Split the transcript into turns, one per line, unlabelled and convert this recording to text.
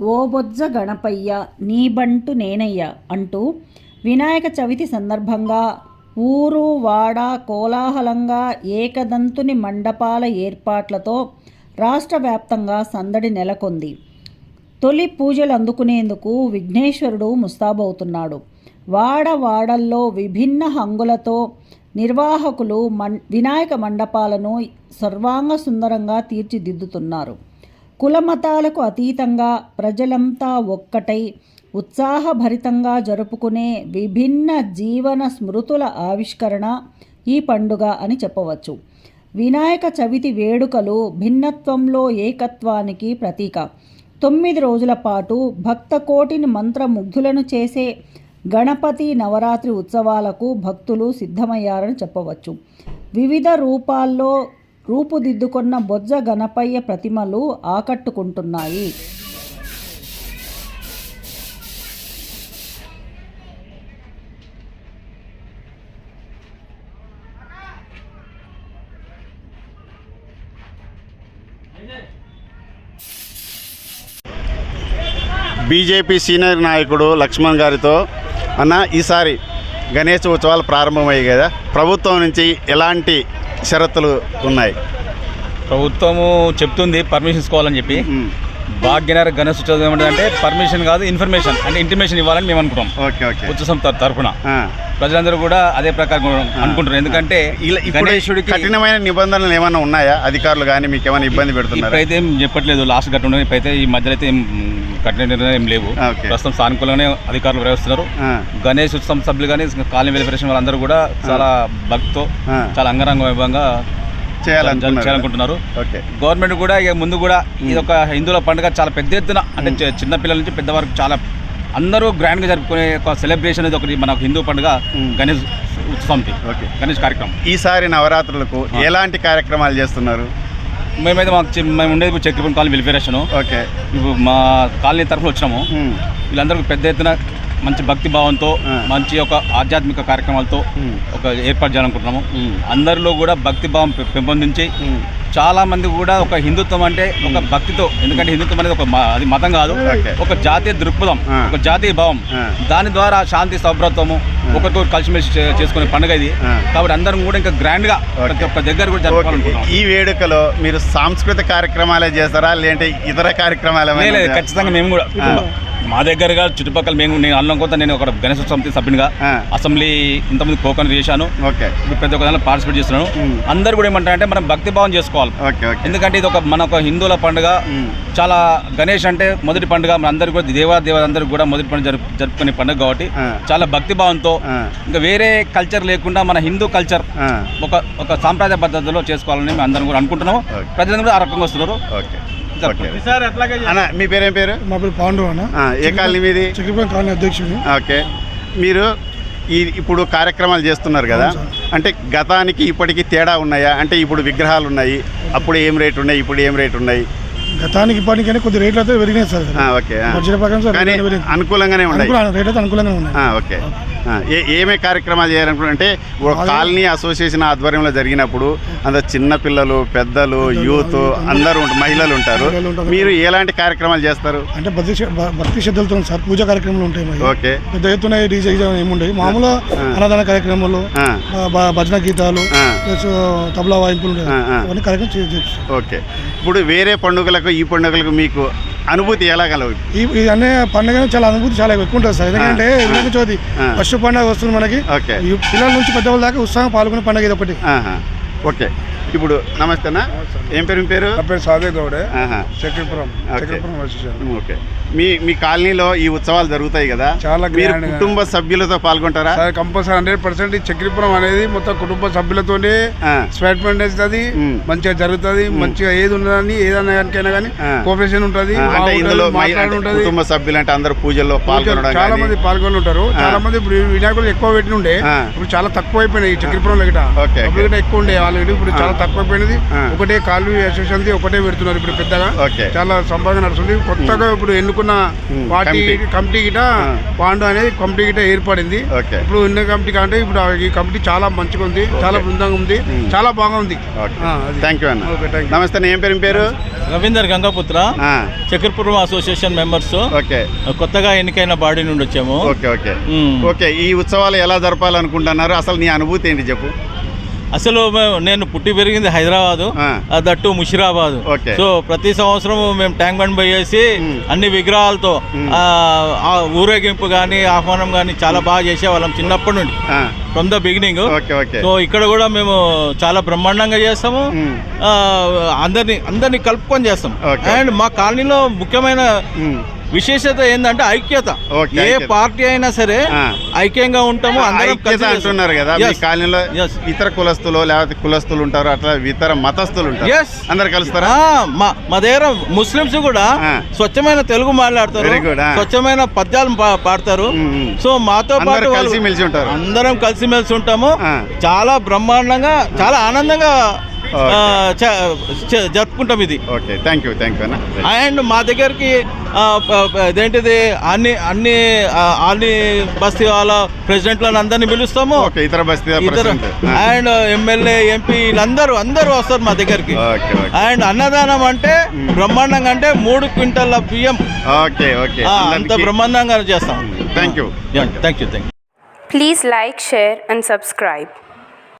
ఓ బొజ్జ గణపయ్య నీ బంటు నేనయ్య అంటూ వినాయక చవితి సందర్భంగా ఊరు వాడ కోలాహలంగా ఏకదంతుని మండపాల ఏర్పాట్లతో రాష్ట్ర వ్యాప్తంగా సందడి నెలకొంది. తొలి పూజలు అందుకునేందుకు విఘ్నేశ్వరుడు ముస్తాబవుతున్నాడు. వాడవాడల్లో విభిన్న హంగులతో నిర్వాహకులు వినాయక మండపాలను సర్వాంగ సుందరంగా తీర్చిదిద్దుతున్నారు. కులమతాలకు అతీతంగా ప్రజలంతా ఒక్కటై ఉత్సాహభరితంగా జరుపుకునే విభిన్న జీవన స్మృతుల ఆవిష్కరణ ఈ పండుగ అని చెప్పవచ్చు. వినాయక చవితి వేడుకలు భిన్నత్వంలో ఏకత్వానికి ప్రతీక. 9 రోజుల పాటు భక్త కోటిని మంత్రముగ్ధులను చేసే గణపతి నవరాత్రి ఉత్సవాలకు భక్తులు సిద్ధమయ్యారని చెప్పవచ్చు. వివిధ రూపాల్లో రూపుదిద్దుకున్న బొజ్జ గణపయ్య ప్రతిమలు ఆకట్టుకుంటున్నాయి.
బీజేపీ సీనియర్ నాయకుడు లక్ష్మణ్ గారితో అన్న, ఈసారి గణేష్ ఉత్సవాలు ప్రారంభమయ్యాయి కదా, ప్రభుత్వం నుంచి ఎలాంటి షరతులు ఉన్నాయి?
ప్రభుత్వము చెప్తుంది పర్మిషన్ తీసుకోవాలని చెప్పి. భాగ్యనగర్ గణేష్ ఉత్సవం ఏమంటే పర్మిషన్ కాదు, ఇన్ఫర్మేషన్ అంటే ఇంటిమేషన్ ఇవ్వాలని మేము అనుకుంటాం. ఉత్సవం తరఫున ప్రజలందరూ కూడా అదే ప్రకారం అనుకుంటున్నారు. ఎందుకంటే
గణేశుడికి కఠినమైన నిబంధనలు ఏమైనా ఉన్నాయా? అధికారులు కానీ మీకు ఏమైనా ఇబ్బంది పెడుతున్నారు?
ఇప్పుడైతే ఏం చెప్పట్లేదు, లాస్ట్ గట్టు ఉండదు. ఇప్పుడైతే ఈ మధ్యలో అయితే ఏం కఠిన నిర్ణయం ఏం లేవు. ప్రస్తుతం సానుకూలంగానే అధికారులు వ్యవహరిస్తున్నారు. గణేష్ ఉత్సవం సభ్యులు కానీ కాలనీ వెలిఫరేషన్ వాళ్ళందరూ కూడా చాలా భక్తితో చాలా అంగరంగ వైభవంగా చేయాలనుకుంటున్నారు. గవర్నమెంట్ కూడా ఇక ముందు కూడా ఇది ఒక హిందువుల పండుగ చాలా పెద్ద ఎత్తున అంటే చిన్నపిల్లల నుంచి పెద్దవారికి చాలా అందరూ గ్రాండ్గా జరుపుకునే ఒక సెలబ్రేషన్ అనేది ఒకటి మన హిందూ పండుగ గణేష్ ఉత్సవం, గణేష్ కార్యక్రమం.
ఈసారి నవరాత్రులకు ఎలాంటి కార్యక్రమాలు చేస్తున్నారు?
మేమైతే మేము ఉండేది చక్రపురం కాలనీ వెలిఫరేషన్. ఇప్పుడు మా కాలనీ తరఫున వచ్చినాము. వీళ్ళందరూ పెద్ద ఎత్తున మంచి భక్తి భావంతో మంచి ఒక ఆధ్యాత్మిక కార్యక్రమాలతో ఒక ఏర్పాటు చేయాలనుకుంటున్నాము. అందరిలో కూడా భక్తి భావం పెంపొందించి చాలా మంది కూడా ఒక హిందుత్వం అంటే ఒక భక్తితో, ఎందుకంటే హిందుత్వం అనేది అది మతం కాదు, ఒక జాతీయ దృక్పథం, ఒక జాతీయ భావం. దాని ద్వారా శాంతి సౌభ్రతము ఒకరికొకరు కలిసిమెలిసి చేసుకునే పండుగ ఇది. కాబట్టి అందరం కూడా ఇంకా గ్రాండ్ గా ఒక దగ్గర కూడా జరపాలనుకుంటున్నాం.
ఈ వేడుకలో మీరు సాంస్కృతిక కార్యక్రమాలే చేస్తారా లేదంటే ఇతర కార్యక్రమాలు?
ఖచ్చితంగా మేము కూడా మా దగ్గరగా చుట్టుపక్కల నేను అల్లం కొత్త నేను ఒక గణేశ సమితి సభ్యునిగా అసెంబ్లీ ఇంతమంది కోకన్ చేశాను. ప్రతి ఒక్క దానిలో పార్టిసిపేట్ చేస్తున్నాను. అందరు కూడా ఏమంటారంటే మనం భక్తి భావం చేసుకోవాలి. ఎందుకంటే ఇది మన ఒక హిందువుల పండుగ. చాలా గణేష్ అంటే మొదటి పండుగ, మన అందరికీ కూడా దేవాదేవతందరికీ కూడా మొదటి పండుగ జరుపుకునే పండుగ కాబట్టి చాలా భక్తి భావంతో ఇంకా వేరే కల్చర్ లేకుండా మన హిందూ కల్చర్ ఒక సాంప్రదాయ పద్ధతిలో చేసుకోవాలని మేము అందరం కూడా అనుకుంటున్నాము. ప్రజలందరూ ఆ రకంగా వస్తున్నారు.
మీ పేరేం పేరు?
మా పేరు పాండు అన్న.
ఏ కాలనీ మీది?
చక్రపురం కాలనీ అధ్యక్షుడు.
ఓకే, మీరు ఇప్పుడు కార్యక్రమాలు చేస్తున్నారు కదా, అంటే గతానికి ఇప్పటికి తేడా ఉన్నాయా? అంటే ఇప్పుడు విగ్రహాలు ఉన్నాయి, అప్పుడు ఏం రేటు ఉన్నాయి, ఇప్పుడు ఏం రేటు ఉన్నాయి?
గతానికి ఇప్పటికైనా కొద్ది రేట్లు అయితే పెరిగినాయి సార్.
ఓకే, అనుకూలంగానే ఉన్నాయి,
రేట్ అయితే అనుకూలంగా ఉన్నాయి.
ఓకే, ఏమే కార్యక్రమాలు చేయాలనుకుంటే కాలనీ అసోసియేషన్ ఆధ్వర్యంలో జరిగినప్పుడు అందరు చిన్నపిల్లలు, పెద్దలు, యూత్ అందరూ మహిళలు ఉంటారు. మీరు ఎలాంటి కార్యక్రమాలు చేస్తారు?
అంటే భక్తి శ్రద్ధలతో సార్ పూజా కార్యక్రమాలు ఉంటాయి.
ఓకే,
పెద్ద ఎత్తున డీజే ఏముంటాయి, మామూలు అన్నదాన కార్యక్రమాలు, భజన గీతాలు, తబలా వాయింపులు అవన్నీ కార్యక్రమం చేయొచ్చు.
ఓకే, ఇప్పుడు వేరే పండుగలకు ఈ పండుగలకు మీకు అనుభూతి ఎలా కలవు?
ఈ అనే పండుగ చాలా అనుభూతి చాలా ఎక్కువ ఉంటుంది సార్. ఎందుకంటే వినాయక చవితి ఫస్ట్ పండుగ వస్తుంది మనకి. పిల్లల నుంచి పెద్దవాళ్ళ దాకా ఉత్సాహం పాల్గొనే పండుగ ఇది ఒకటి.
ఓకే, ఇప్పుడు నమస్తే అన్న, ఏం పేరు? మీ పేరు?
నా పేరు సాదే గౌడే, చక్రపురం.
ఓకే, మీ కాలనీలో ఈ ఉత్సవాలు జరుగుతాయి కదా,
చాలా
మీరు కుటుంబ సభ్యులతో పాల్గొంటారా?
కంపల్సరీ 100%. చక్రపురం అనేది మొత్తం కుటుంబ సభ్యులతోనే స్వీట్మెంట్ అవుతుంది, మంచిగా జరుగుతుంది. మంచిగా ఏది ఉన్నదని ఏదైనా కానీ కోఆపరేషన్ ఉంటుంది.
అంటే ఇందులో కుటుంబ సభ్యులు అంటే అందరూ పూజల్లో పాల్గొనడం,
చాలా మంది పాల్గొని ఉంటారు. చాలా మంది ఇప్పుడు వినాయకులు ఎక్కువ పెట్టి ఉండే, ఇప్పుడు చాలా తక్కువ అయిపోయినాయి. చక్రపురంలో గిట్ట ఎక్కువ ఉండే వాళ్ళు ఇప్పుడు చాలా తక్కువైపోయినది. ఒకటే కాలనీ అసోసియేషన్ ఒకటే పెడుతున్నారు ఇప్పుడు పెద్దగా. చాలా సంపాదన నడుస్తుంది. కొత్తగా ఇప్పుడు ఎన్నుకున్న పార్టీ కమిటీ గిట పాండు అనేది కమిటీ గిట ఏర్పడింది. ఇప్పుడు ఎన్ని కమిటీ అంటే ఇప్పుడు ఈ కమిటీ చాలా మంచిగా ఉంది, చాలా బృందంగా ఉంది, చాలా బాగుంది.
థ్యాంక్ యూ అన్న. నమస్తే, ఏం పేరు?
Ravinder Gangaputra, Chakrapuram association members. కొత్తగా ఎన్నికైన బాడీ నుండి వచ్చాము.
ఓకే, ఈ ఉత్సవాలు ఎలా జరపాలనుకుంటున్నారు? అసలు నీ అనుభూతి ఏంటి చెప్పు.
అసలు నేను పుట్టి పెరిగింది హైదరాబాదు, దట్టు ముషిరాబాదు. సో ప్రతి సంవత్సరం మేము ట్యాంక్ బండ్ పోయేసి అన్ని విగ్రహాలతో ఊరేగింపు కానీ ఆహ్వానం కానీ చాలా బాగా చేసేవాళ్ళం చిన్నప్పటి నుండి, ఫ్రమ్ ద బిగినింగ్. సో ఇక్కడ కూడా మేము చాలా బ్రహ్మాండంగా చేస్తాము, అందరినీ కలుపుకొని చేస్తాం. అండ్ మా కాలనీలో ముఖ్యమైన విశేషత ఏంటంటే ఐక్యత. ఏ పార్టీ అయినా సరే ఐక్యంగా ఉంటాము, అందరం కలిసి
అంటున్నారు కదా. మీ కాలనీలో ఇతర కులస్తులు లేకపోతే కులస్తులు ఉంటారు, అట్లా ఇతర మతస్థులు ఉంటారు, అందరు కలుస్తారా?
మా దగ్గర ముస్లింస్ కూడా స్వచ్ఛమైన తెలుగు మాట్లాడతారు, స్వచ్ఛమైన పద్యాలు పాడతారు. సో మాతో పాటు
కలిసిమెలిసి ఉంటారు,
అందరం కలిసిమెలిసి ఉంటాము. చాలా బ్రహ్మాండంగా, చాలా ఆనందంగా జరుపుకుంటాం ఇది.
థ్యాంక్ యూ అన్న.
అండ్ మా దగ్గరికి ఇదేంటిది అన్ని బస్తీ వాళ్ళ ప్రెసిడెంట్లను అందరినీ పిలుస్తాము,
ఇతర బస్తీ
అండ్ ఎమ్మెల్యే ఎంపీ అందరూ వస్తారు మా దగ్గరికి. అండ్ అన్నదానం అంటే బ్రహ్మాండంగా, అంటే 3 క్వింటాల బియ్యం అంత బ్రహ్మాండంగా చేస్తాం.
Thank you.
Please like, share and subscribe.